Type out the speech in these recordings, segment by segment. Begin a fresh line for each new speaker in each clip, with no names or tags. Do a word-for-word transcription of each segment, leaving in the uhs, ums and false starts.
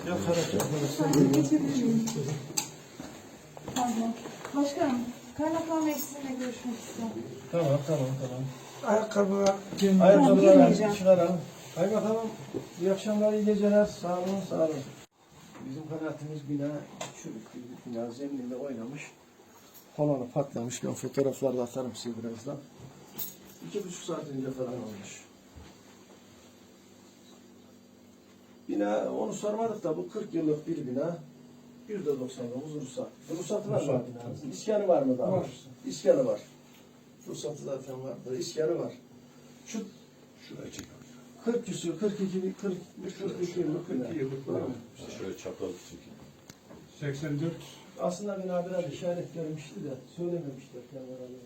Yakarak yakarak.
Geçebilir miyim? Pardon. Başkanım, kaymakam Bey sizinle görüşmek istiyorum.
Tamam tamam tamam.
Ayakkabılar
Ayakkabıları
girmeyeceğim.
çıkaralım. Kaymakamım, iyi akşamlar, iyi geceler. Sağ olun, sağ olun. Bizim kanaatimiz bina çürük bir bina, zemininde oynamış. Kolonu patlamış. Ben fotoğraflarda atarım size birazdan. İki buçuk saat önce falan olmuş. Bina, onu sormadık da bu kırk yıllık bir bina. yüzde doksan dokuz ruhsat. Ruhsatı var mı binanın? İskanı var mı daha?
Var.
İskanı var. Ruhsatı zaten var. İskanı var. Şu
Şuraya çek.
kırk küsur, kırk iki, kırk üç, kırk iki yıllık bina.
kırk iki yıllık
Var
var.
mı?
İşte şöyle çapraz çekeyim.
seksen dört.
Aslında bina biraz işaret vermişti de söylememişler kendilerine.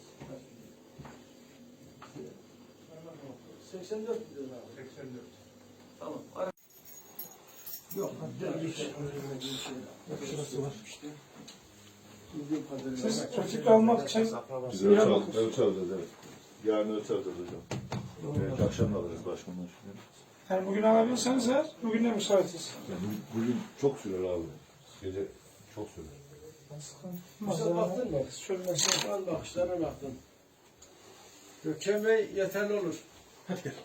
seksen dört diyorlar abi.
seksen dört.
Tamam. Ara- Yok. Hatta bir şey. Şurası var. Bildiğim kadarıyla.
Siz açık almak için
Biz
İyi
ölçü
ama-
aldık. Ölçü alacağız evet. Yarın ölçü alacağız hocam. Evet, akşam da alırız başkanlar.
yani bugün alabilirseniz eğer bugün de müsaitiz.
Yani bu- bugün çok sürer abi. Gece çok sürer.
Güzel baktın mı?
Şöyle mesela.
Al bakışlarına baktın. Gökhan Bey yeterli olur.
Hadi gel.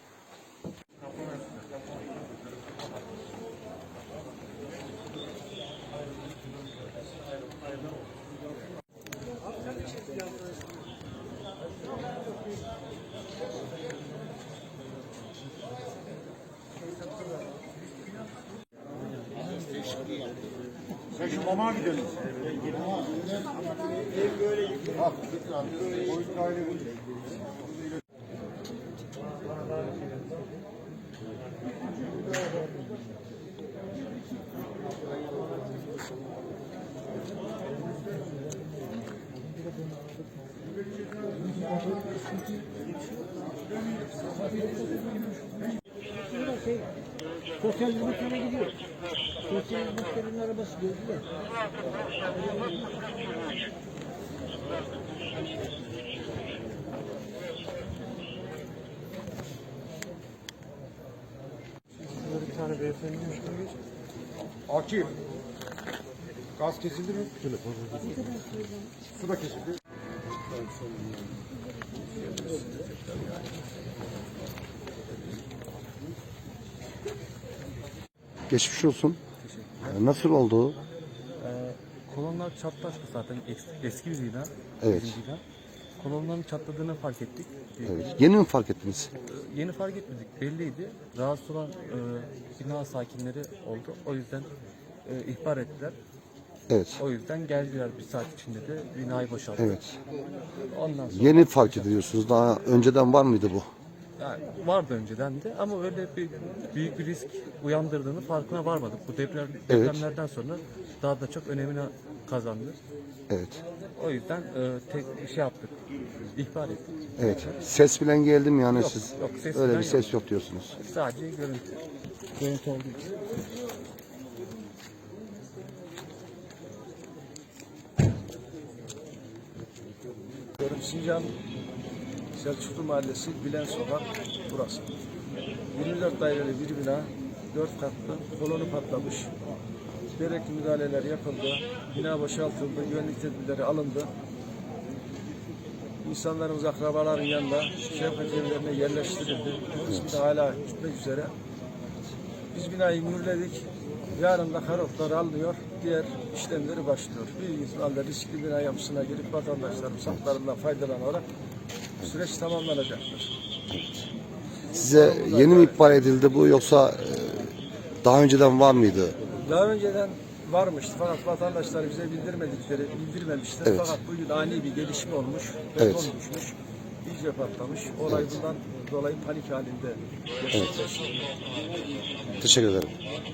Sen şu mama gidelim. Bak, boyut ayrı bu.
Sosyal hizmetlere gidiyor. Sosyal hizmetlerin arabası gördüler.
Bir tane beyefendi müşteri.
Akif. Gaz kesildi mi? Su da kesildi.
Geçmiş olsun. Ee, Nasıl oldu?
Ee, kolonlar çatlaştı zaten eski, eski bir bina.
Evet.
bizim bina. Kolonların çatladığını fark ettik. Ee,
Evet. Yeni mi fark ettiniz?
Yeni fark etmedik, belliydi. Rahatsız olan e, bina sakinleri oldu. O yüzden e, ihbar ettiler.
Evet.
O yüzden geldiler bir saat içinde de binayı boşalttılar.
Evet.
Ondan sonra
Yeni fark ediyorsunuz. Daha önceden var mıydı bu?
yani vardı önceden de ama öyle bir büyük bir risk uyandırdığını farkına varmadık. Bu deprem,
Evet.
depremlerden sonra daha da çok önemini kazandı.
Evet.
O yüzden e, tek şey yaptık, ihbar ettik.
Evet. Ses bilen geldi mi yani
Yok,
siz?
yok, ses
Öyle
bilen
bir ses yok diyorsunuz.
Sadece görüntü. Görüntü olduğu için.
Sincan Selçuklu Mahallesi, Bilen Sokak burası. yirmi dört daireli bir bina, dört katlı, kolonu patlamış. Gerekli müdahaleler yapıldı, bina boşaltıldı, güvenlik tedbirleri alındı. İnsanlarımız akrabaların yanında şefkat evlerine yerleştirildi. Kısmı da hala gitmek üzere. Biz binayı mühürledik. Yarın da karotlar alınıyor, diğer işlemleri başlıyor. Bilginiz halde riskli bina yapısına girip vatandaşlarımız haklarından faydalanarak süreç tamamlanacaktır.
Size yeni mi ihbar edildi bu yoksa e, daha önceden var mıydı?
Daha önceden varmıştı fakat vatandaşlar bize bildirmedikleri, bildirmemişler.
Evet.
Fakat bugün ani bir gelişme olmuş,
Evet.
beton düşmüş, iyice patlamış. Olay
Evet.
bundan dolayı panik halinde gerçekleşti.
Teşekkür ederim.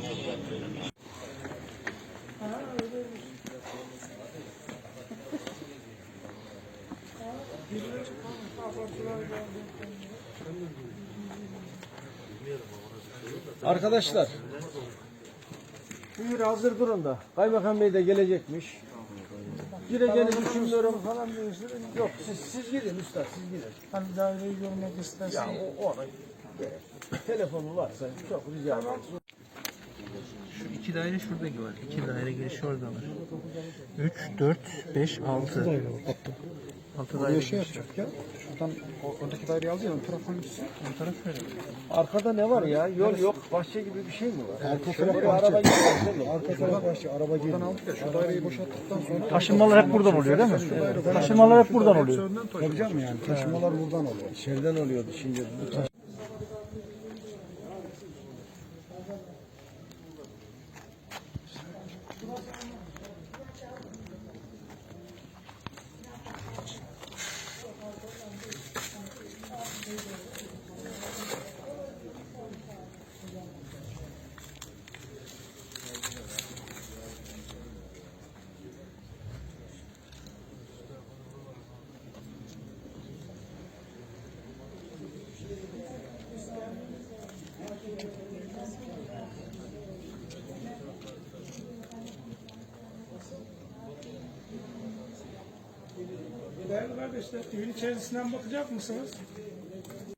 Arkadaşlar, buyur hazır durun da. Kaymakam Bey de gelecekmiş. Gireceğini düşünmüyorum falan diyorsun. Yok siz, siz gidin usta, siz gidin.
Hani daireyi görmek istersen.
Ya o, o ona gerek. Telefonu varsa çok rica ederim.
Şu iki daire şuradaki var. İki daire girişi orada var. Üç, dört, beş, altı. Altı daire
Şey
girişi.
yapacak ya. Şuradan o- oradaki daireyi alacağız. Ön taraf hangisi?
Bu taraf şöyle.
Arkada ne var ya? Yol yok, bahçe gibi bir şey mi var?
Arka
Şöyle
taraf
bir
bahçe.
araba gidiyor.
Arka taraf bahçe. Araba geliyor. Buradan aldık ya. Şu daireyi boşalttıktan sonra.
Taşınmalar hep buradan oluyor değil mi? Taşınmalar hep buradan oluyor.
Yapacağım mı yani? Taşımalar buradan oluyor.
İçeriden oluyordu şimdi. Bu taş-
Değerli kardeşler, evin içerisinden bakacak mısınız?